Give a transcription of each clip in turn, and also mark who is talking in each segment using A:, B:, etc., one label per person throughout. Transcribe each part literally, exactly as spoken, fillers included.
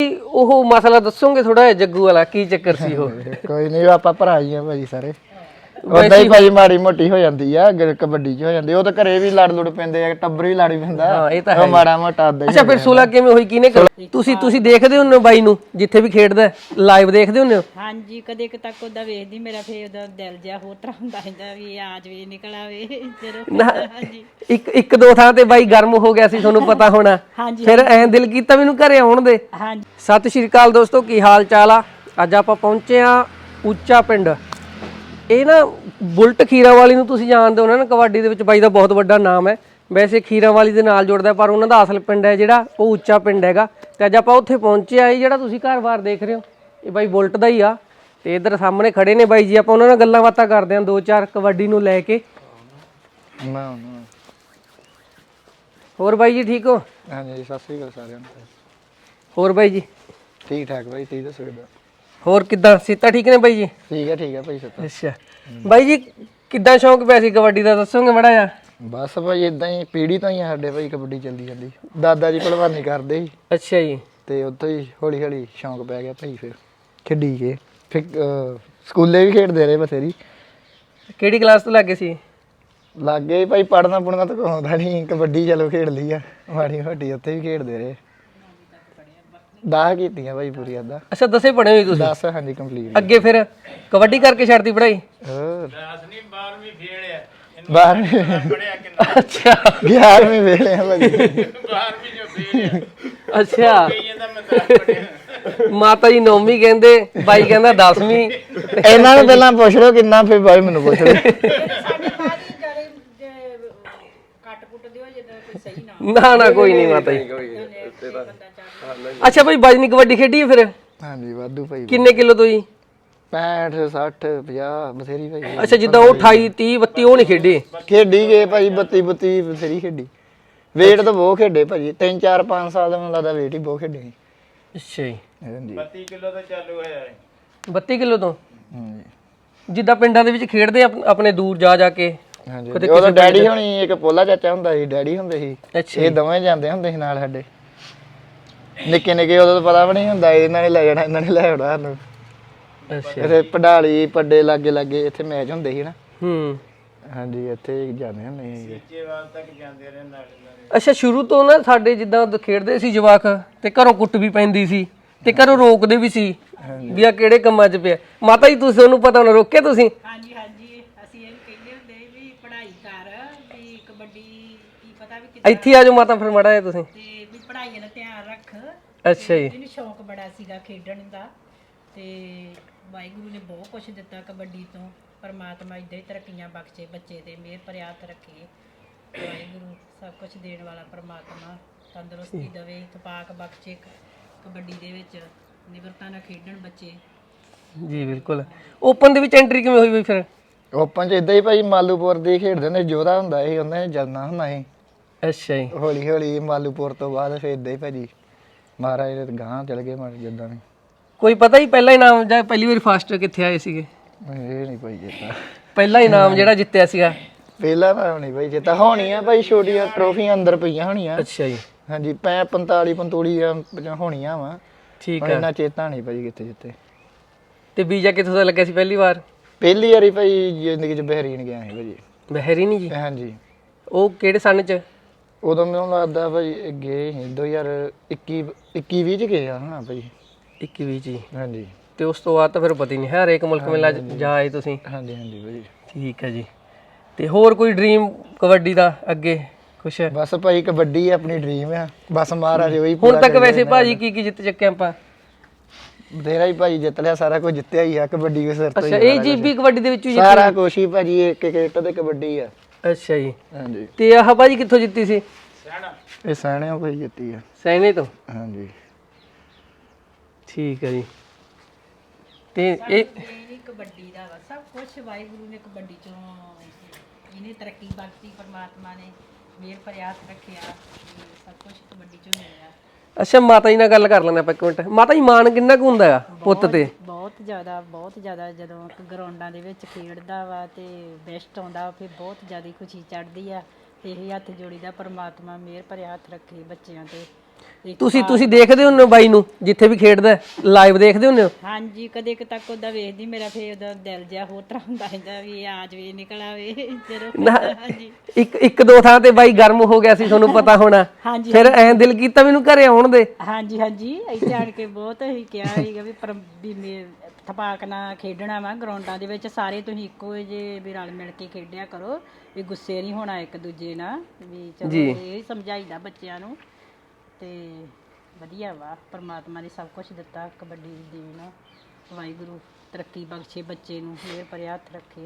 A: ਉਹ ਮਸਲਾ ਦੱਸੋਗੇ ਥੋੜਾ ਜਿਹਾ ਜੱਗੂ ਵਾਲਾ ਕੀ ਚੱਕਰ ਸੀ ਉਹ?
B: ਕੋਈ ਨਹੀਂ ਆਪਾਂ ਭਰਾ ਹੀ ਆ ਭਾਜੀ ਸਾਰੇ। ਉਦਾਂ ਹੀ ਭਾਜੀ ਮਾੜੀ ਮੋਟੀ ਹੋ ਜਾਂਦੀ ਆ ਕਬੱਡੀ ਚ ਹੋ ਜਾਂਦੀ, ਉਹ ਤਾਂ ਘਰੇ ਵੀ ਲੜ ਲੁੜ ਪੈਂਦੇ ਆ, ਟੱਬਰ ਵੀ ਲੜ ਪੈਂਦਾ।
A: ਹਾਂ ਇਹ ਤਾਂ ਹੈ
B: ਮਾੜਾ ਮੋਟਾ ਆਦਾ।
A: ਅੱਛਾ ਫਿਰ ਸੁਲਾ ਕਿਵੇਂ ਹੋਈ, ਕਿਹਨੇ? ਤੁਸੀਂ ਤੁਸੀਂ ਦੇਖਦੇ ਹੁੰਦੇ ਹੋ ਬਾਈ ਨੂੰ ਜਿੱਥੇ ਵੀ ਖੇਡਦਾ, ਲਾਈਵ ਦੇਖਦੇ ਹੁੰਦੇ ਹੋ?
C: ਹਾਂਜੀ ਕਦੇ ਕ ਤੱਕ ਉਹਦਾ ਵੇਖਦੀ, ਮੇਰਾ ਫੇਰ ਉਹਦਾ ਦਿਲ ਜਿਹਾ ਹੋਰ ਤਰ੍ਹਾਂ ਹੁੰਦਾ ਰਹਿੰਦਾ ਵੀ ਆ ਜਵੇ ਨਿਕਲ ਆਵੇ ਜਦੋਂ। ਹਾਂਜੀ
A: ਇੱਕ ਇੱਕ ਦੋ ਥਾਂ ਤੇ ਬਾਈ ਗਰਮ ਹੋ ਗਿਆ ਸੀ, ਤੁਹਾਨੂੰ ਪਤਾ ਹੋਣਾ।
C: ਹਾਂਜੀ
A: ਫਿਰ ਐਂ ਦਿਲ ਕੀਤਾ ਮੈਨੂੰ ਘਰੇ ਆਉਣ ਦੇ।
C: ਹਾਂਜੀ
A: ਸਤਿ ਸ਼੍ਰੀ ਅਕਾਲ ਦੋਸਤੋ, ਕੀ ਹਾਲ ਚਾਲ ਆ? ਅੱਜ ਆਪਾਂ ਪਹੁੰਚੇ ਆ ਉੱਚਾ ਪਿੰਡ। ਇਹ ਨਾ ਬੁਲਟ ਖੀਰਾਵਾਲੀ ਨੂੰ ਤੁਸੀਂ ਜਾਣਦੇ ਹੋ ਨਾ, ਕਬੱਡੀ ਦੇ ਵਿੱਚ ਬਾਈ ਦਾ ਬਹੁਤ ਵੱਡਾ ਨਾਮ ਹੈ। ਵੈਸੇ ਖੀਰਾਵਾਲੀ ਦੇ ਨਾਲ ਜੁੜਦਾ, ਪਰ ਉਹਨਾਂ ਦਾ ਅਸਲ ਪਿੰਡ ਹੈ ਜਿਹੜਾ ਉਹ ਉੱਚਾ ਪਿੰਡ ਹੈਗਾ। ਤੇ ਅੱਜ ਆਪਾਂ ਉੱਥੇ ਪਹੁੰਚੇ ਆ। ਇਹ ਜਿਹੜਾ ਤੁਸੀਂ ਘਰ-ਬਾਰ ਦੇਖ ਰਹੇ ਹੋ ਇਹ ਬਾਈ ਬੁਲਟ ਦਾ ਹੀ ਆ। ਤੇ ਇੱਧਰ ਸਾਹਮਣੇ ਖੜੇ ਨੇ ਬਾਈ ਜੀ, ਆਪਾਂ ਉਹਨਾਂ ਨਾਲ ਗੱਲਾਂ ਬਾਤਾਂ ਕਰਦੇ ਹਾਂ ਦੋ ਚਾਰ ਕਬੱਡੀ ਨੂੰ ਲੈ ਕੇ। ਹੋਰ ਬਾਈ ਜੀ ਠੀਕ ਹੋ?
B: ਹਾਂਜੀ ਸਤਿ ਸ੍ਰੀ ਅਕਾਲ ਸਾਰਿਆਂ ਨੂੰ।
A: ਹੋਰ ਬਾਈ ਜੀ
B: ਠੀਕ ਠਾਕ ਬਾਈ, ਤੁਸੀਂ ਦੱਸੋ ਕਿੱਦਾਂ?
A: ਹੋਰ ਕਿੱਦਾਂ, ਸਿਹਤਾਂ ਠੀਕ ਨੇ ਬਾਈ ਜੀ?
B: ਠੀਕ ਹੈ ਠੀਕ ਹੈ ਭਾਈ ਸੱਤਾ।
A: ਅੱਛਾ ਬਾਈ ਜੀ ਕਿੱਦਾਂ ਸ਼ੌਂਕ ਪਿਆ ਸੀ ਕਬੱਡੀ ਦਾ, ਦੱਸੋਗੇ ਮਾੜਾ ਜਿਹਾ?
B: ਬਸ ਭਾਈ ਇਦਾਂ ਹੀ ਪੀੜੀ ਤੋਂ ਹੀ ਆ ਸਾਡੇ ਭਾਈ ਕਬੱਡੀ ਚੱਲਦੀ ਜਾਂਦੀ। ਦਾਦਾ ਜੀ ਭਲਵਾਨੀ ਕਰਦੇ ਸੀ
A: ਅੱਛਾ ਜੀ।
B: ਤੇ ਉੱਥੋਂ ਹੀ ਹੌਲੀ ਹੌਲੀ ਸ਼ੌਂਕ ਪੈ ਗਿਆ ਭਾਈ, ਫਿਰ ਖੇਡੀ ਕੇ ਫਿਰ ਸਕੂਲੇ ਵੀ ਖੇਡਦੇ ਰਹੇ ਬਥੇਰੀ।
A: ਕਿਹੜੀ ਕਲਾਸ ਤੋਂ ਲੱਗੇ ਸੀ?
B: ਲੱਗੇ ਭਾਈ ਪੜ੍ਹਨਾ ਪੁੜਨਾ ਤਾਂ ਆਉਂਦਾ ਨਹੀਂ, ਕਬੱਡੀ ਚਲੋ ਖੇਡ ਲਈ ਆ ਮਾੜੀ ਮੋਟੀ, ਉੱਥੇ ਵੀ ਖੇਡਦੇ ਰਹੇ। ਦਸ ਕੀਤੀਆਂ ਭਾਈ ਪੂਰੀ ਅੱਧਾ।
A: ਅੱਛਾ ਦਸੇ ਪੜ੍ਹੇ ਹੋਏ ਤੁਸੀਂ?
B: ਦਸ ਹਾਂਜੀ ਕੰਪਲੀਟ।
A: ਅੱਗੇ ਫਿਰ ਕਬੱਡੀ ਕਰਕੇ ਛੱਡਤੀ ਪੜ੍ਹਾਈ?
B: ਹੋਰ ਦਸ ਨਹੀਂ ਬਾਰਵੀਂ ਫੇਲ ਆ। ਬਾਰਵੀਂ ਪੜਿਆ ਕਿੰਨਾ?
A: ਅੱਛਾ
B: ਗਿਆਰਵੀਂ ਫੇਲ ਆ ਭਾਜੀ।
A: ਬਾਰਵੀਂ ਜੋ ਫੇਲ ਆ। ਅੱਛਾ ਕਹੀ ਜਾਂਦਾ ਮੈਂ ਦਸ ਪੜਿਆ। ਮਾਤਾ ਜੀ ਨੌਵੀਂ ਕਹਿੰਦੇ, ਬਾਈ ਕਹਿੰਦਾ ਦਸਵੀਂ।
B: ਇਹਨਾਂ ਨੂੰ ਪਹਿਲਾਂ ਪੁੱਛ ਲਓ ਕਿੰਨਾ, ਫਿਰ ਬਾਈ ਮੈਨੂੰ ਪੁੱਛ ਲਓ। ਨਾ ਨਾ ਕੋਈ ਨਹੀਂ ਮਾਤਾ ਜੀ। ਅੱਛਾ ਭਾਈ ਬਾਜਨੀ ਕਬੱਡੀ ਖੇਡੀ ਫਿਰ? ਹਾਂਜੀ ਵਾਧੂ ਭਾਈ।
A: ਕਿੰਨੇ ਕਿਲੋ ਤੋਂ ਜੀ?
B: ਪੈਂਹਠ ਸੱਠ ਪੰਜਾਹ ਬਥੇਰੀ ਭਾਈ।
A: ਅੱਛਾ ਜਿੱਦਾਂ ਉਹ ਅਠਾਈ ਤੀਹ ਬੱਤੀ ਉਹ ਨਹੀਂ ਖੇਡੀ?
B: ਖੇਡੀ ਗਏ ਭਾਈ, ਬੱਤੀ ਬੱਤੀ ਬਥੇਰੀ ਖੇਡੀ। ਵੇਟ ਤਾਂ ਬਹੁਤ ਖੇਡੇ ਭਾਜੀ, ਤਿੰਨ ਚਾਰ ਪੰਜ ਸਾਲ ਦਾ ਮੈਨੂੰ ਲੱਗਦਾ ਵੇਟ ਹੀ ਬਹੁਤ ਖੇਡੇ ਸੀ।
A: ਅੱਛਾ ਜੀ।
B: ਹਾਂਜੀ
D: ਬੱਤੀ ਕਿਲੋ ਤੋਂ ਚਾਲੂ ਹੋਇਆ।
A: ਬੱਤੀ ਕਿਲੋ ਤੋਂ?
B: ਹਾਂਜੀ
A: ਜਿੱਦਾਂ ਪਿੰਡਾਂ ਦੇ ਵਿੱਚ ਖੇਡਦੇ ਆਪਣੇ ਦੂਰ ਜਾ ਜਾ ਕੇ।
B: ਹਾਂਜੀ ਉਹਦਾ ਡੈਡੀ ਹੋਣੀ, ਇੱਕ ਪੋਲਾ ਚਾਚਾ ਹੁੰਦਾ ਸੀ, ਡੈਡੀ ਹੁੰਦੇ ਸੀ।
A: ਅੱਛਾ
B: ਇਹ ਦੋਵੇਂ ਜਾਂਦੇ ਹੁੰਦੇ ਸੀ ਨਾਲ ਸਾਡੇ। ਨਿੱਕੇ ਨਿੱਕੇ ਉਦੋਂ ਤਾਂ ਪਤਾ ਵੀ ਨਹੀਂ ਹੁੰਦਾ, ਇਹਨਾਂ ਨੇ ਲੈ ਜਾਣਾ ਇਹਨਾਂ ਨੇ ਲੈ ਆਉਣਾ ਸਾਨੂੰ।
A: ਅੱਛਾ
B: ਇੱਥੇ ਪੜਾਲੀ ਪੱਡੇ ਲਾਗੇ ਲਾਗੇ ਇੱਥੇ ਮੈਚ ਹੁੰਦੇ ਸੀ ਨਾ।
A: ਹੂੰ
B: ਹਾਂਜੀ ਇੱਥੇ ਜਾਂਦੇ ਹੁੰਦੇ ਸੀ।
D: ਸੀਚੇਵਾਲ ਤੱਕ ਜਾਂਦੇ ਰਹੇ ਨਾਲ।
A: ਅੱਛਾ ਸ਼ੁਰੂ ਤੋਂ ਨਾ ਸਾਡੇ ਜਿੱਦਾਂ ਖੇਡਦੇ ਸੀ ਜਵਾਕ, ਤੇ ਘਰੋਂ ਕੁੱਟ ਵੀ ਪੈਂਦੀ ਸੀ ਤੇ ਘਰੋਂ ਰੋਕਦੇ ਵੀ ਸੀ ਵੀ ਆ ਕਿਹੜੇ ਕੰਮਾਂ 'ਚ ਪਿਆ। ਮਾਤਾ ਜੀ ਤੁਸੀਂ ਉਹਨੂੰ ਪਤਾ ਹੋਣਾ, ਰੋਕਿਆ ਤੁਸੀਂ?
C: ਹਾਂਜੀ ਹਾਂਜੀ ਅਸੀਂ ਇਹ ਕਹਿੰਦੇ ਹੁੰਦੇ ਵੀ ਪੜ੍ਹਾਈ ਕਰ, ਵੀ ਕਬੱਡੀ ਕੀ ਪਤਾ ਵੀ ਕਿੱਦਾਂ,
A: ਇੱਥੇ ਆ ਜਾਓ ਮਾਤਾ ਫਿਰ ਮਾੜਾ ਜਿਹਾ ਤੁਸੀਂ।
C: ਤੇ ਵੀ ਪੜ੍ਹਾਈ ਦਾ ਧਿਆਨ ਰੱਖ।
A: ਅੱਛਾ ਜੀ।
C: ਇਹਨੂੰ ਸ਼ੌਂਕ ਬੜਾ ਸੀਗਾ ਖੇਡਣ ਦਾ, ਤੇ ਵਾਹਿਗੁਰੂ ਨੇ ਬਹੁਤ ਕੁਝ ਦਿੱਤਾ ਕਬੱਡੀ ਤੋਂ। ਪਰਮਾਤਮਾ ਇੱਦਾਂ ਹੀ ਤਰੱਕੀਆਂ ਬਖਸ਼ੇ ਬੱਚੇ ਤੇ, ਮਿਹਰ ਭਰਿਆ ਹੱਥ ਰੱਖੇ ਵਾਹਿਗੁਰੂ। ਸਭ ਕੁਝ ਦੇਣ ਵਾਲਾ ਪਰਮਾਤਮਾ ਤੰਦਰੁਸਤੀ ਦੇਵੇ, ਇਤਫਾਕ ਬਖਸ਼ੇ ਕਬੱਡੀ ਦੇ ਵਿੱਚ, ਨਿਮਰਤਾ ਨਾਲ ਖੇਡਣ ਬੱਚੇ।
A: ਜੀ ਬਿਲਕੁਲ। ਓਪਨ ਦੇ ਵਿੱਚ ਐਂਟਰੀ ਕਿਵੇਂ ਹੋਈ ਬਈ ਫਿਰ?
B: ਓਪਨ ਚ ਇਦਾਂ ਹੀ ਭਾਈ ਮਾਲੂਪੁਰ ਦੇ ਖੇਡਦੇ ਹੁੰਦੇ, ਜੋਧਾ ਹੁੰਦਾ ਸੀ ਉਹਨਾਂ ਨੇ ਜਲਣਾ ਹੁੰਦਾ ਸੀ।
A: ਅੱਛਾ ਜੀ।
B: ਹੌਲੀ ਹੌਲੀ ਮਾਲੂਪੁਰ ਤੋਂ ਬਾਅਦ ਫਿਰ ਇਦਾਂ ਹੀ ਭਾਜੀ ਮਹਾਰਾਜ ਦੇ ਗਾਂਹ ਚਲ ਗਏ ਮਾਰ ਜਿੱਦਾਂ ਵੀ।
A: ਕੋਈ ਪਤਾ ਹੀ ਪਹਿਲਾ ਇਨਾਮ ਜਾਂ ਪਹਿਲੀ ਵਾਰੀ ਫਸਟ ਕਿੱਥੇ ਆਏ ਸੀਗੇ?
B: ਇਹ ਨਹੀਂ ਭਾਈ ਜਿੱਤਾ
A: ਪਹਿਲਾ ਇਨਾਮ ਜਿਹੜਾ ਜਿੱਤਿਆ ਸੀਗਾ?
B: ਪਹਿਲਾਂ ਤਾਂ ਨਹੀਂ ਭਾਈ ਜਿੱਤਾ, ਹੋਣੀਆਂ ਭਾਈ ਛੋਟੀਆਂ ਟਰੋਫੀਆਂ ਅੰਦਰ ਪਈਆਂ ਹੋਣੀਆਂ।
A: ਅੱਛਾ ਜੀ।
B: ਹਾਂਜੀ ਪੈ ਪੰਤਾਲੀ ਪੰਤੋਲੀਆਂ ਹੋਣੀਆਂ ਵਾ।
A: ਠੀਕ
B: ਹੈ।
A: ਹੈ।
B: ਇਹਨਾਂ ਚੇਤਾ ਨਹੀਂ ਭਾਜੀ ਕਿੱਥੇ ਜਿੱਤੇ।
A: ਤੇ ਵੀਜ਼ਾ ਕਿੱਥੋਂ ਦਾ ਲੱਗਿਆ ਸੀ ਪਹਿਲੀ ਵਾਰ?
B: ਪਹਿਲੀ ਵਾਰੀ ਭਾਈ ਜ਼ਿੰਦਗੀ ਚ ਬਹਿਰੀਨ ਗਿਆ ਸੀ ਭਾਜੀ।
A: ਬਹਿਰੀਨ ਜੀ?
B: ਹਾਂਜੀ।
A: ਉਹ ਕਿਹੜੇ ਸਨ ਚ?
B: ਉਦੋਂ ਮੈਨੂੰ ਲੱਗਦਾ ਭਾਈ ਗਏ ਸੀ ਦੋ ਹਜ਼ਾਰ ਇੱਕੀ ਇੱਕੀ ਵੀਹ ਚ ਗਏ ਆ ਨਾ ਭਾਈ।
A: ਇੱਕੀ ਵੀਹ ਜੀ?
B: ਹਾਂਜੀ।
A: ਤੇ ਉਸ ਤੋਂ ਬਾਅਦ ਤਾਂ ਫਿਰ ਪਤਾ ਹੀ ਨਹੀਂ ਹੈ, ਹਰੇਕ ਮੁਲਕ ਮੇਲਾ ਜਾ ਆਏ ਤੁਸੀਂ?
B: ਹਾਂਜੀ ਹਾਂਜੀ ਭਾਜੀ।
A: ਠੀਕ ਹੈ ਜੀ। ਤੇ ਹੋਰ ਕੋਈ ਡ੍ਰੀਮ ਕਬੱਡੀ ਦਾ ਅੱਗੇ ਕੁਛ?
B: ਬਸ ਭਾਈ ਕਬੱਡੀ ਆਪਣੀ ਡ੍ਰੀਮ ਆ, ਬਸ ਮਹਾਰਾਜ ਉਹੀ
A: ਹੁਣ ਤੱਕ ਵੈਸੇ ਭਾਜੀ ਕੀ ਕੀ ਜਿੱਤ ਚੱਕੇ ਆਪਾਂ?
B: ਬਥੇਰਾ ਹੀ ਭਾਈ ਜਿੱਤ ਲਿਆ, ਸਾਰਾ ਕੁਝ ਜਿੱਤਿਆ ਹੀ ਆ ਕਬੱਡੀ ਦੇ ਸਿਰ ਤੋਂ
A: ਅੱਛਾ
B: ਹੀ।
A: ਇਹ ਜੀਬੀ ਕਬੱਡੀ ਦੇ ਵਿੱਚ ਹੀ
B: ਸਾਰਾ ਕੁਝ ਹੀ ਭਾਜੀ, ਇੱਕ ਇੱਕ ਇੱਟ ਤੇ ਕਬੱਡੀ ਆ।
A: ਅੱਛਾ ਜੀ।
B: ਹਾਂਜੀ।
A: ਤੇ ਆਹ ਭਾਜੀ ਕਿੱਥੋਂ ਜਿੱਤੀ ਸੀ?
B: ਇਹ ਸੈਣਿਆਂ ਭਾਈ ਜਿੱਤੀ ਆ।
A: ਸੈਨੇ ਤੋਂ?
B: ਹਾਂਜੀ।
A: ਠੀਕ ਹੈ ਜੀ। ਤੇ ਇਹ
C: ਇਹ ਕਬੱਡੀ ਦਾ ਵਾ ਸਭ ਕੁਝ ਵਾਹਿਗੁਰੂ ਨੇ ਕਬੱਡੀ ਚੋਂ ਇਹਨੇ ਤਰੱਕੀ ਬਖਸ਼ੀ, ਪਰਮਾਤਮਾ ਨੇ ਮਿਹਰ ਭਰਿਆ ਹੱਥ ਰੱਖਿਆ, ਸਭ ਕੁਝ ਕਬੱਡੀ ਚੋਂ ਮਿਲਿਆ।
A: ਅੱਛਾ ਮਾਤਾ ਜੀ ਨਾਲ ਗੱਲ ਕਰ ਲੈਂਦੇ ਆਪਾਂ ਇੱਕ ਮਿੰਟ। ਮਾਤਾ ਜੀ ਮਾਣ ਕਿੰਨਾ ਕੁ ਹੁੰਦਾ ਹੈਗਾ ਪੁੱਤ ਤੇ?
C: ਬਹੁਤ ਜ਼ਿਆਦਾ ਬਹੁਤ ਜ਼ਿਆਦਾ। ਜਦੋਂ ਗਰਾਊਂਡਾਂ ਦੇ ਵਿੱਚ ਖੇਡਦਾ ਵਾ ਤੇ ਬੈਸਟ ਆਉਂਦਾ ਫਿਰ ਬਹੁਤ ਜ਼ਿਆਦਾ ਖੁਸ਼ੀ ਚੜ੍ਹਦੀ ਆ। ਤੇ ਇਹ ਹੱਥ ਜੋੜੀਦਾ, ਪਰਮਾਤਮਾ ਮਿਹਰ ਭਰਿਆ ਹੱਥ ਰੱਖੇ ਬੱਚਿਆਂ ਤੇ,
A: ਤੁਸੀਂ ਤੁਸੀਂ ਦੇਖਦੇ ਹੁੰਦੇ ਹੋ ਬਾਈ ਨੂੰ ਜਿੱਥੇ ਵੀ ਖੇਡਦਾ ਲਾਈਵ ਦੇਖਦੇ ਹੁੰਦੇ ਹੋ?
C: ਹਾਂਜੀ ਕਦੇ ਕੁ ਤੱਕ ਉਹਦਾ ਵੇਖਦੀ ਮੇਰਾ ਫੇਰ ਉਹਦਾ ਦਿਲ ਜਿਹਾ ਹੋਰ ਤਰ੍ਹਾਂ ਹੁੰਦਾ ਰਹਿੰਦਾ ਵੀ ਆ ਜਵੇ ਨਿਕਲ ਆਵੇ ਜਦੋਂ ਖੇਡਦਾ। ਹਾਂਜੀ
A: ਇੱਕ ਇੱਕ ਦੋ ਥਾਂ ਤੇ ਬਾਈ ਗਰਮ ਹੋ ਗਿਆ ਸੀ ਤੁਹਾਨੂੰ ਪਤਾ ਹੋਣਾ।
C: ਹਾਂਜੀ
A: ਫਿਰ ਐਂ ਦਿਲ ਕੀਤਾ ਮੈਨੂੰ ਘਰੇ ਆਉਣ ਦੇ।
C: ਹਾਂਜੀ ਹਾਂਜੀ ਇੱਥੇ ਆਣ ਕੇ ਬਹੁਤ ਹੀ ਕਿਹਾ ਸੀਗਾ ਵੀ ਪਰ ਵੀ ਮੇ ਥਪਾਕ ਨਾਲ ਖੇਡਣਾ ਵਾ ਗਰਾਊਂਡਾਂ ਦੇ ਵਿੱਚ ਸਾਰੇ ਤੁਸੀਂ ਇੱਕੋ ਜਿਹੇ ਵੀ ਰਲ ਮਿਲ ਕੇ ਖੇਡਿਆ ਕਰੋ ਵੀ ਗੁੱਸੇ ਨਹੀਂ ਹੋਣਾ ਇੱਕ ਦੂਜੇ ਨਾਲ ਵੀ ਚਲੋ ਇਹ ਸਮਝਾਈਦਾ ਬੱਚਿਆਂ ਨੂੰ ਤੇ ਵਧੀਆ ਵਾ ਪਰਮਾਤਮਾ ਨੇ ਸਭ ਕੁਝ ਦਿੱਤਾ ਕਬੱਡੀ ਦੀ ਦੇਣ ਵਾਹਿਗੁਰੂ ਤਰੱਕੀ ਬਖਸ਼ੇ ਬੱਚੇ ਨੂੰ ਮਿਹਰ ਭਰਿਆ ਹੱਥ ਰੱਖੇ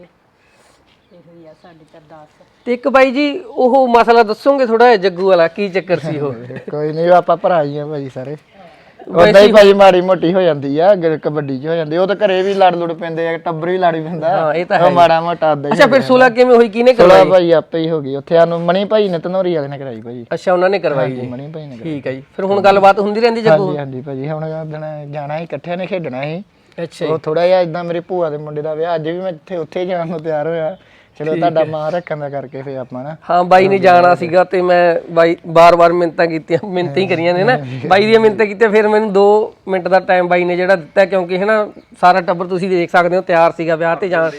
C: ਇਹੋ ਹੀ ਆ ਸਾਡੀ ਅਰਦਾਸ।
A: ਤੇ ਇੱਕ ਬਾਈ ਜੀ ਉਹ ਮਸਲਾ ਦੱਸੋਗੇ ਥੋੜਾ ਜਿਹਾ ਜੱਗੂ ਵਾਲਾ ਕੀ ਚੱਕਰ ਸੀ ਉਹ?
B: ਕੋਈ ਨਹੀਂ ਆਪਾਂ ਭਰਾ ਹੀ ਆ ਭਾਜੀ ਸਾਰੇ। ਉਦਾਂ ਹੀ ਭਾਜੀ ਮਾੜੀ ਮੋਟੀ ਹੋ ਜਾਂਦੀ ਆ ਗ- ਕਬੱਡੀ 'ਚ ਹੋ ਜਾਂਦੀ। ਉਹ ਤਾਂ ਘਰੇ ਵੀ ਲੜ ਲੁੜ ਪੈਂਦੇ ਆ ਟੱਬਰ ਵੀ ਲੜ ਪੈਂਦਾ।
A: ਹਾਂ, ਇਹ ਤਾਂ
B: ਉਹ ਮਾੜਾ ਮੋਟਾ ਆਦਾ ਹੀ
A: ਅੱਛਾ ਫਿਰ ਸੁਲਾ ਕਿਵੇਂ ਹੋਈ ਕਿਹਨੇ
B: ਸੁਲਾ
A: ਕਰਵਾਈ?
B: ਭਾਈ ਆਪੇ ਹੀ ਹੋ ਗਈ ਉੱਥੇ ਸਾਨੂੰ ਮਣੀ ਭਾਈ ਨੇ ਧਨੌਰੀ ਵਾਲੇ ਨੇ ਕਰਾਈ ਭਾਜੀ।
A: ਅੱਛਾ ਉਹਨਾਂ ਨੇ ਕਰਵਾਈ ਜੀ।
B: ਮਣੀ ਭਾਈ ਨੇ ਕਰਾਈ।
A: ਠੀਕ ਹੈ ਜੀ ਫਿਰ ਹੁਣ ਗੱਲਬਾਤ ਹੁੰਦੀ ਰਹਿੰਦੀ ਜੱਗੂ?
B: ਹਾਂਜੀ ਹਾਂਜੀ ਭਾਜੀ ਹੁਣ ਦਿਨ ਜਾਣਾ ਸੀ ਇਕੱਠਿਆਂ ਨੇ ਖੇਡਣਾ ਸੀ।
A: ਅੱਛਾ
B: ਉਹ ਥੋੜਾ ਜਿਹਾ ਇਦਾਂ ਮੇਰੇ ਭੂਆ ਦੇ ਮੁੰਡੇ ਦਾ ਵਿਆਹ ਅੱਜ ਵੀ ਮੈਂ ਇੱਥੇ ਉੱਥੇ ਜਾਣ ਨੂੰ ਤਿਆਰ ਹੋਇਆ। ਚਲੋ ਤੁਹਾਡਾ ਮਾਂ ਰੱਖਣ ਦਾ ਕਰਕੇ ਫੇ ਆਪਾਂ ਨਾ।
A: ਹਾਂ ਬਾਈ ਨੇ ਜਾਣਾ ਸੀਗਾ ਤੇ ਮੈਂ ਬਾਈ ਬਾਰ-ਬਾਰ ਮਿੰਨਤਾਂ ਕੀਤੀਆਂ ਮਿੰਨਤਾਂ ਹੀ ਕਰੀਆਂ ਨੇ ਨਾ ਬਾਈ ਦੀਆਂ ਮਿੰਨਤਾਂ ਕੀਤੀਆਂ ਫਿਰ ਮੈਨੂੰ ਦੋ ਮਿੰਟ ਦਾ ਟਾਈਮ ਬਾਈ ਨੇ ਜਿਹੜਾ ਦਿੱਤਾ ਕਿਉਂਕਿ ਹੈ ਨਾ ਸਾਰਾ ਟੱਬਰ ਤੁਸੀਂ ਦੇਖ ਸਕਦੇ ਹੋ ਤਿਆਰ ਸੀਗਾ ਵਿਆਹ ਤੇ ਜਾਣ।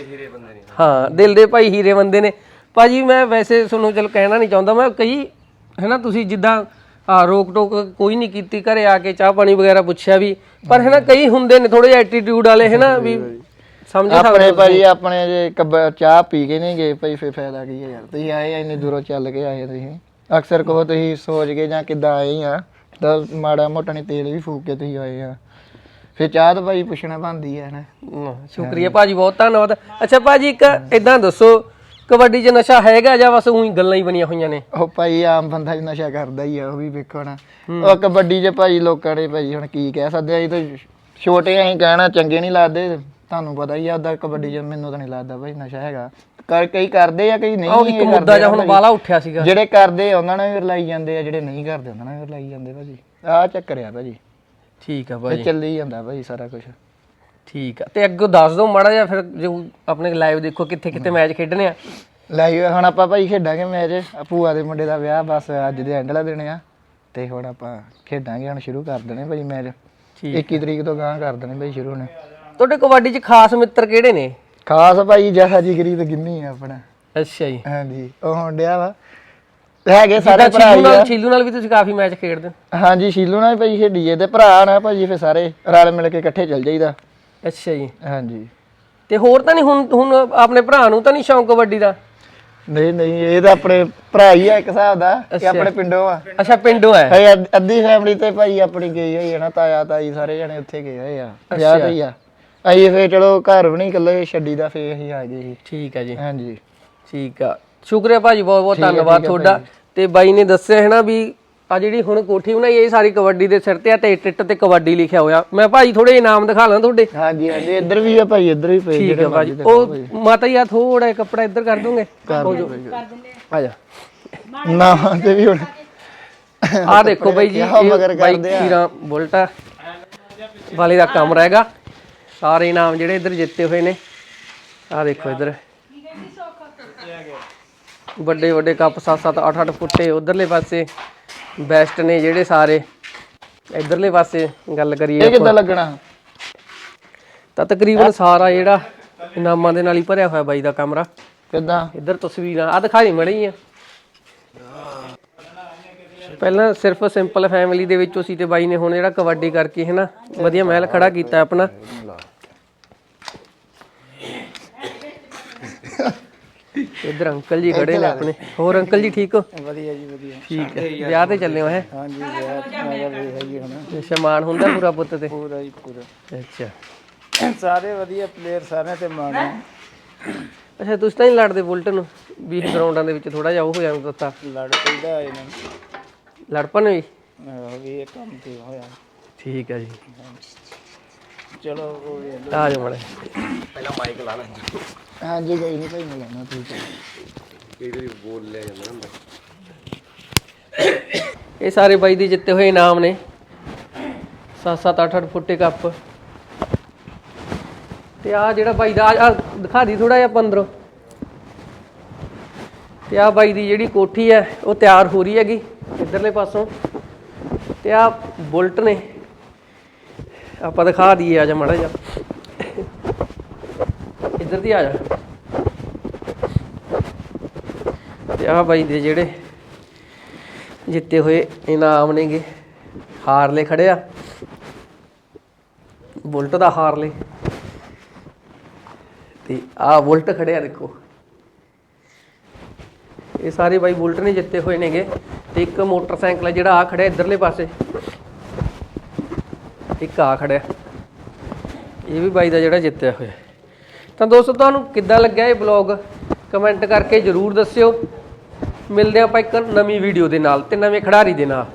A: ਹਾਂ ਦਿਲ ਦੇ ਭਾਈ ਹੀਰੇ ਬੰਦੇ ਨੇ ਭਾਜੀ। ਮੈਂ ਵੈਸੇ ਤੁਹਾਨੂੰ ਚਲੋ ਕਹਿਣਾ ਨਹੀਂ ਚਾਹੁੰਦਾ ਮੈਂ ਕਈ ਹੈ ਨਾ ਤੁਸੀਂ ਜਿੱਦਾਂ ਆ ਰੋਕ ਟੋਕ ਕੋਈ ਨਹੀਂ ਕੀਤੀ ਘਰੇ ਆ ਕੇ ਚਾਹ ਪਾਣੀ ਵਗੈਰਾ ਪੁੱਛਿਆ ਵੀ ਪਰ ਹੈ ਨਾ ਕਈ ਹੁੰਦੇ ਨੇ ਥੋੜੇ ਜਿਹਾ ਐਟੀਟਿਊਡ ਵਾਲੇ ਹੈ ਨਾ ਵੀ ਸਮਝ
B: ਆਪਣੇ ਭਾਜੀ ਆਪਣੇ ਜੇ ਕਬ ਚਾਹ ਪੀ ਕੇ ਨਹੀਂ ਗਏ ਭਾਈ ਫੇ ਫਾਇਦਾ ਕੀ ਹੈ ਯਾਰ। ਤੁਸੀਂ ਆਏ ਇੰਨੀ ਦੂਰੋਂ ਚੱਲ ਕੇ ਆਏ ਤੁਸੀਂ ਅਕਸਰ ਕਹੋ ਤੁਸੀਂ ਸੋਚ ਕੇ ਜਾਂ ਕਿੱਦਾਂ ਆਏ ਆ ਤਾਂ ਮਾੜਾ ਮੋਟਾ ਨਹੀਂ ਤੇਲ ਵੀ ਫੂਕ ਕੇ ਤੁਸੀਂ ਆਏ ਆ ਫੇ ਚਾਹ ਤਾਂ ਭਾਈ ਪੁੱਛਣਾ ਬਣਦੀ ਹੈ ਨਾ।
A: ਸ਼ੁਕਰੀਆ ਭਾਜੀ ਬਹੁਤ ਧੰਨਵਾਦ। ਅੱਛਾ ਭਾਜੀ ਇੱਕ ਇਦਾਂ ਦੱਸੋ ਕਬੱਡੀ 'ਚ ਨਸ਼ਾ ਹੈਗਾ ਜਾਂ ਬਸ ਉਹੀ ਗੱਲਾਂ ਹੀ ਬਣੀਆਂ ਹੋਈਆਂ ਨੇ?
B: ਉਹ ਭਾਈ ਆਮ ਬੰਦਾ ਹੀ ਨਸ਼ਾ ਕਰਦਾ ਹੀ ਆ ਉਹ ਵੀ ਵੇਖੋ ਨਾ। ਉਹ ਕਬੱਡੀ 'ਚ ਭਾਈ ਲੋਕਾਂ ਨੇ ਭਾਈ ਹੁਣ ਕੀ ਕਹਿ ਸਕਦੇ ਅਸੀਂ ਤਾਂ ਛੋਟੇ ਅਸੀਂ ਕਹਿਣਾ ਚੰਗੇ ਨਹੀਂ ਲੱਗਦੇ। ਤੁਹਾਨੂੰ ਪਤਾ ਹੀ ਆ ਉਹਦਾ ਕਬੱਡੀ 'ਚ ਮੈਨੂੰ ਤਾਂ ਨਹੀਂ ਲੱਗਦਾ ਭਾਈ ਨਸ਼ਾ ਹੈਗਾ। ਕਰ ਕਈ ਕਰਦੇ ਆ ਕਈ ਨਹੀਂ।
A: ਉਹ ਇੱਕ ਮੁੱਦਾ ਜਿਹਾ ਹੁਣ ਬਾਲਾ ਉੱਠਿਆ ਸੀਗਾ
B: ਜਿਹੜੇ ਕਰਦੇ ਉਹਨਾਂ ਨਾਲ ਵੀ ਰਲਾਈ ਜਾਂਦੇ ਆ ਜਿਹੜੇ ਨਹੀਂ ਕਰਦੇ ਉਹਨਾਂ ਨਾਲ ਵੀ ਰਲਾਈ ਜਾਂਦੇ ਭਾਜੀ। ਆਹ ਚੱਕਰ ਆ ਭਾਜੀ।
A: ਠੀਕ ਆ
B: ਇਹ
A: ਭਾਜੀ
B: ਚੱਲੀ ਜਾਂਦਾ ਭਾਜੀ ਸਾਰਾ ਕੁਝ।
A: ਠੀਕ ਆ ਤੇ ਅੱਗੋਂ ਦੱਸ ਦਿਓ ਮਾੜਾ ਜਿਹਾ ਫਿਰ ਜੋ ਆਪਣੇ ਲਾਈਵ ਦੇਖੋ ਕਿੱਥੇ ਕਿੱਥੇ ਮੈਚ ਖੇਡਣੇ ਆ।
B: ਲਾਈਵ ਹੁਣ ਆਪਾਂ ਭਾਈ ਖੇਡਾਂਗੇ ਮੈਚ ਭੂਆ ਦੇ ਮੁੰਡੇ ਦਾ ਵਿਆਹ ਬਸ ਅੱਜ ਦੇ ਐਂਡ ਵਾਲਾ ਦਿਨ ਆ ਤੇ ਹੁਣ ਆਪਾਂ ਖੇਡਾਂਗੇ ਹੁਣ ਸ਼ੁਰੂ ਕਰ ਦੇਣੇ ਭਾਈ ਮੈਚ। ਇੱਕੀ ਤਰੀਕ ਤੋਂ ਗਾਂ ਕਰ ਦੇਣੇ ਭਾਈ ਸ਼ੁਰੂ ਨੇ। ਤੁਹਾਡੇ ਕਬੱਡੀ 'ਚ ਖਾਸ ਮਿੱਤਰ ਕਿਹੜੇ ਨੇ? ਖਾਸ ਭਾਈ ਜਹਾ ਜਿਗਰੀ ਤੇ ਗਿੰਨੀ ਆ ਆਪਣਾ।
A: ਅੱਛਾ ਜੀ
B: ਹਾਂਜੀ ਉਹ ਹੁਣ ਡਿਆ ਵਾ ਹੈਗੇ ਸਾਰੇ ਭਰਾ ਹੀ ਆ।
A: ਸ਼ੀਲੂ ਨਾਲ ਵੀ ਤੁਸੀਂ ਕਾਫੀ ਮੈਚ ਖੇਡਦੇ?
B: ਹਾਂਜੀ ਸ਼ੀਲੂ ਨਾਲ ਭਾਈ ਖੇਡੀਏ ਤੇ ਭਰਾ ਨਾ ਭਾਜੀ ਫੇ ਸਾਰੇ ਰਲ ਮਿਲ ਕੇ ਇਕੱਠੇ ਚੱਲ ਜਾਈਦਾ।
A: ਅੱਛਾ ਜੀ
B: ਹਾਂਜੀ
A: ਤੇ ਹੋਰ ਤਾਂ ਨਹੀਂ ਹੁਣ ਹੁਣ ਆਪਣੇ ਭਰਾ ਨੂੰ ਤਾਂ ਨਹੀਂ ਸ਼ੌਂਕ ਕਬੱਡੀ ਦਾ?
B: ਨਹੀਂ ਨਹੀਂ ਇਹ ਤਾਂ ਆਪਣੇ ਭਰਾ ਹੀ ਆ ਇੱਕ ਹਿਸਾਬ ਦਾ ਕਿ ਆਪਣੇ ਪਿੰਡੋਂ ਆ।
A: ਅੱਛਾ ਪਿੰਡੋਂ ਹੈ?
B: ਹੈ ਅੱਧੀ ਫੈਮਿਲੀ ਤੇ ਭਾਈ ਆਪਣੀ ਗਈ ਹੋਈ ਹੈ ਨਾ ਤਾਇਆ ਤਾਈ ਸਾਰੇ ਜਣੇ ਉੱਥੇ ਗਏ ਹੋਏ ਆ ਵਿਆਹ ਤੇ ਹੀ ਆ। ਅਸੀਂ ਫੇ ਚਲੋ ਘਰ ਵੀ ਨਹੀਂ ਇਕੱਲੇ ਛੱਡੀ ਦਾ ਫੇ ਅਸੀਂ ਆ ਗਏ ਸੀ।
A: ਠੀਕ ਆ ਜੀ
B: ਹਾਂਜੀ
A: ਠੀਕ ਆ ਸ਼ੁਕਰੀਆ ਭਾਜੀ ਬਹੁਤ ਬਹੁਤ ਧੰਨਵਾਦ ਤੁਹਾਡਾ। ਤੇ ਬਾਈ ਨੇ ਦੱਸਿਆ ਹੈ ਨਾ ਵੀ ਆ ਜਿਹੜੀ ਹੁਣ ਕੋਠੀ ਬਣਾਈ ਇਹ ਸਾਰੀ ਕਬੱਡੀ ਦੇ ਸਿਰ ਤੇ ਆ ਤੇ ਟਿੱਟ ਤੇ ਕਬੱਡੀ ਲਿਖਿਆ ਹੋਇਆ। ਮੈਂ ਭਾਜੀ ਥੋੜੇ ਇਨਾਮ ਦਿਖਾ ਲਾਂ ਤੁਹਾਡੇ?
B: ਹਾਂਜੀ ਹਾਂਜੀ ਇੱਧਰ ਵੀ ਆ ਭਾਈ ਇੱਧਰ ਵੀ ਪਏ
A: ਠੀਕ ਆ ਭਾਜੀ। ਉਹ ਮਾਤਾ ਜੀ ਆ ਥੋੜਾ ਕੱਪੜਾ ਇੱਧਰ ਕਰ ਦੋਗੇ? ਆ ਜਾ
B: ਨਾ ਤੇ ਵੀ ਹੁਣ
A: ਆ ਦੇਖੋ ਬਾਈ ਜੀ ਬਾਈ ਖੀਰਾ ਬੁਲਟ ਵਾਲੇ ਦਾ ਕੰਮ ਰਹੇਗਾ। ਸਾਰੇ ਇਨਾਮ ਜਿਹੜੇ ਇੱਧਰ ਜਿੱਤੇ ਹੋਏ ਨੇ ਆ ਦੇਖੋ ਇੱਧਰ ਵੱਡੇ ਵੱਡੇ ਕੱਪ ਸੱਤ ਸੱਤ ਅੱਠ ਅੱਠ ਫੁੱਟੇ ਉਧਰਲੇ ਪਾਸੇ ਬੈਸਟ ਨੇ ਜਿਹੜੇ ਸਾਰੇ। ਇਧਰਲੇ ਪਾਸੇ ਗੱਲ ਕਰੀਏ
B: ਇਹ ਕਿੱਦਾਂ ਲੱਗਣਾ
A: ਤਾਂ ਤਕਰੀਬਨ ਸਾਰਾ ਜਿਹੜਾ ਇਨਾਮਾਂ ਦੇ ਨਾਲ ਹੀ ਭਰਿਆ ਹੋਇਆ ਬਾਈ ਦਾ ਕਮਰਾ।
B: ਕਿੱਦਾਂ
A: ਇੱਧਰ ਤਸਵੀਰਾਂ ਆ ਦਿਖਾਈ ਮੜੀ ਆ ਪਹਿਲਾਂ ਸਿਰਫ ਸਿੰਪਲ ਫੈਮਿਲੀ ਦੇ ਵਿੱਚੋਂ ਸੀ ਤੇ ਬਾਈ ਨੇ ਹੁਣ ਜਿਹੜਾ ਕਬੱਡੀ ਕਰਕੇ ਹੈ ਨਾ ਵਧੀਆ ਮਹਿਲ ਖੜਾ ਕੀਤਾ ਆਪਣਾ। ਇੱਧਰ ਅੰਕਲ ਜੀ ਖੜੇ ਨੇ ਆਪਣੇ। ਹੋਰ ਅੰਕਲ ਜੀ ਠੀਕ ਹੋ?
B: ਵਧੀਆ ਜੀ ਵਧੀਆ
A: ਠੀਕ ਹੈ ਵਿਆਹ ਤੇ ਚੱਲੇ ਹੋ? ਹੈ
B: ਹਾਂਜੀ ਵਿਆਹ ਮੈਂ ਵੇਖ ਆਈ ਹੁਣ
A: ਸ਼ਮਾਨ ਹੁੰਦਾ ਪੂਰਾ ਪੁੱਤ ਤੇ?
B: ਪੂਰਾ ਹੀ ਪੂਰਾ।
A: ਅੱਛਾ
B: ਸਾਰੇ ਵਧੀਆ ਪਲੇਅਰ ਸਾਰਿਆਂ ਤੇ ਮਾਣ।
A: ਅੱਛਾ ਤੁਸੀਂ ਤਾਂ ਨਹੀਂ ਲੜਦੇ ਬੁਲਟ ਨੂੰ ਵੀ ਗਰਾਊਂਡਾਂ ਦੇ ਵਿੱਚ ਥੋੜਾ ਜਿਹਾ ਉਹ ਹੋ ਜਾਂਦਾ ਤਾਂ
B: ਲੜ ਪੈਂਦਾ ਇਹਨਾਂ
A: ਲੜ ਪਣ ਵੀ?
B: ਆਹੋ ਵੀ ਇਹ ਕੰਮ ਤੇ ਹੋਇਆ।
A: ਠੀਕ ਹੈ ਜੀ
B: ਚਲੋ ਉਹ ਵੀ
A: ਆ ਜਾਓ ਮੜੇ
E: ਪਹਿਲਾਂ ਮਾਈਕ ਲਾ ਲੈ।
B: ਹਾਂਜੀ ਗਈ ਨਹੀਂ ਭਾਈ ਮੈਂ ਲੈਣਾ ਠੀਕ ਹੈ।
E: ਕਈ ਵਾਰੀ ਬੋਲ ਲਿਆ ਜਾਂਦਾ ਹੁੰਦਾ।
A: ਇਹ ਸਾਰੇ ਬਾਈ ਦੇ ਜਿੱਤੇ ਹੋਏ ਇਨਾਮ ਨੇ ਸੱਤ ਸੱਤ ਅੱਠ ਅੱਠ ਫੁੱਟੇ ਕੱਪ। ਤੇ ਆ ਜਿਹੜਾ ਬਾਈ ਦਾ ਆ ਦਿਖਾ ਦੀ ਥੋੜਾ ਜਿਹਾ ਪੰਦਰੋਂ। ਤੇ ਆ ਬਾਈ ਦੀ ਜਿਹੜੀ ਕੋਠੀ ਹੈ ਉਹ ਤਿਆਰ ਹੋ ਰਹੀ ਹੈਗੀ ਇੱਧਰਲੇ ਪਾਸੋਂ। ਤੇ ਆ ਬੁਲਟ ਨੇ ਆਪਾਂ ਦਿਖਾ ਦਈਏ, ਆ ਜਾ ਮਾੜਾ ਜਿਹਾ ਇੱਧਰ ਦੀ ਆ ਜਾ। ਤੇ ਆਹ ਬਾਈ ਦੇ ਜਿਹੜੇ ਜਿੱਤੇ ਹੋਏ ਇਨਾਮ ਨੇਗੇ, ਹਾਰਲੇ ਖੜਿਆ, ਬੁਲਟ ਦਾ ਹਾਰਲੇ, ਤੇ ਆਹ ਬੁਲਟ ਖੜਿਆ ਦੇਖੋ। ਇਹ ਸਾਰੇ ਬਾਈ ਬੁਲਟ ਨੇ ਜਿੱਤੇ ਹੋਏ ਨੇਗੇ। ਤੇ ਇੱਕ ਮੋਟਰਸਾਈਕਲ ਹੈ ਜਿਹੜਾ ਆ ਖੜਿਆ ਇੱਧਰਲੇ ਪਾਸੇ, ਇੱਕ ਆ ਖੜਿਆ, ਇਹ ਵੀ ਬਾਈ ਦਾ ਜਿਹੜਾ ਜਿੱਤਿਆ ਹੋਇਆ। ਤਾਂ ਦੋਸਤੋ ਤੁਹਾਨੂੰ ਕਿੱਦਾਂ ਲੱਗਿਆ ਇਹ ਬਲੌਗ ਕਮੈਂਟ ਕਰਕੇ ਜ਼ਰੂਰ ਦੱਸਿਓ। ਮਿਲਦੇ ਆਪਾਂ ਇੱਕ ਨਵੀਂ ਵੀਡੀਓ ਦੇ ਨਾਲ ਤੇ ਨਵੇਂ ਖਿਡਾਰੀ ਦੇ ਨਾਲ।